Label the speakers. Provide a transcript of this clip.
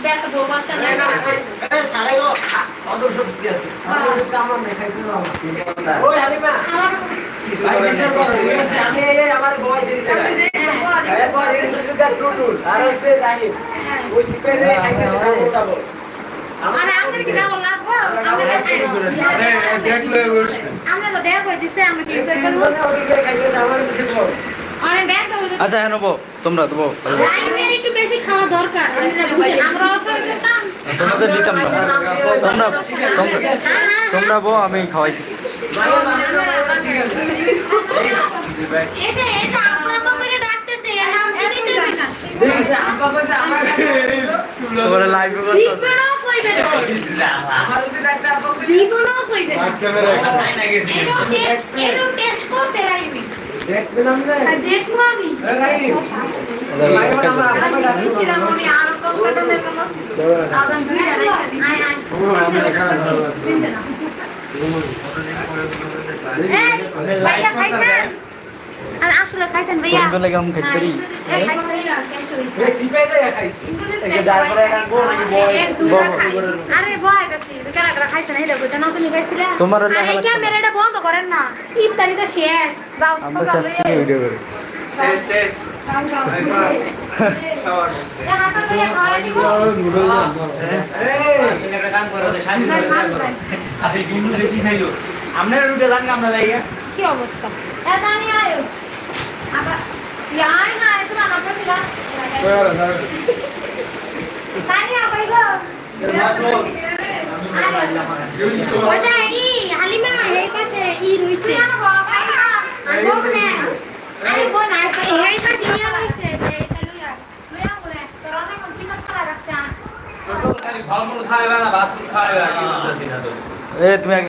Speaker 1: একটা বউ বাচ্চা না
Speaker 2: এ সাড়ে গো অজর সত্যি আছে আমার নাই খাইতে দাও ওই হালিমা ভাই বিচার করো ঠিক আছে আমি এই আমার বয়স এই জায়গায় এরপর এই সুযোগটা টুটুল আর হইছে রাহিম ওই সিপেরে খাইতেছে না উঠাবো
Speaker 1: আরে আমরা কি না লাগবো আমরা দেখলে বলছি আমরা তো দেখ কই দিছে আমরা কি বিচার করব
Speaker 2: খাইতেছে আমার কিছু বল
Speaker 1: আরে দেখ তো
Speaker 3: আচ্ছা হ্যাঁ নেবো তোমরা দেবো
Speaker 1: রাইমের একটু বেশি খাওয়া দরকার আমরা অসর করতাম
Speaker 3: তোমাদের নিতাম না তোমরা তোমরা বো আমি খাওয়াইতেছি
Speaker 1: এটা আপনা করে ডাকতেছে এর নাম শুনিতে হবে না
Speaker 2: আপা বলতে আমার
Speaker 3: তোমরা লাইভে করতে
Speaker 1: জীবনও কইবে না
Speaker 2: আমার যদি ডাকতে আপা
Speaker 1: জীবনও কইবে না এরো টেস্ট করতে রাইমে
Speaker 2: দেখতে নাম না
Speaker 1: দেখবো আমি
Speaker 2: রাহিম
Speaker 1: আমি আরো কম কাটালে কম দাদা দুই রাইখা দিছি ভাইয়া খাইছেন আর আসলে খাইছেন ভাইয়া
Speaker 3: তোমরা লাগে আমি খাইতে পারি
Speaker 2: এই সিপেতে খাইছি
Speaker 1: আরে বয় গেছি কারা কারা খাইছেন এই দেখো জানো তুমি খাইছিলা
Speaker 3: তোমার
Speaker 1: আরে ক্যামেরাটা বন্ধ করেন না ইফতারিটা শেষ যাও
Speaker 3: আমরা শেষ থেকে ভিডিও করি
Speaker 2: শেষ আমরা রুটে যান আমরা যাইয়া
Speaker 1: কি অবস্থা এটা আমি আয়ো আবার ইয়াই না এত না বলছিলা তানি আবার গো ওটা ই হালিমা এই পাশে ই রইছে আরে গো না এই পাশে ই রইছে এটা লইয়া লইয়া বলে তোর অনেক কম চিমট করা রাখছে
Speaker 4: খালি ফলমূল খাইবা না ভাত খাইবা কি বুঝতেছি না তো
Speaker 3: এ তুমি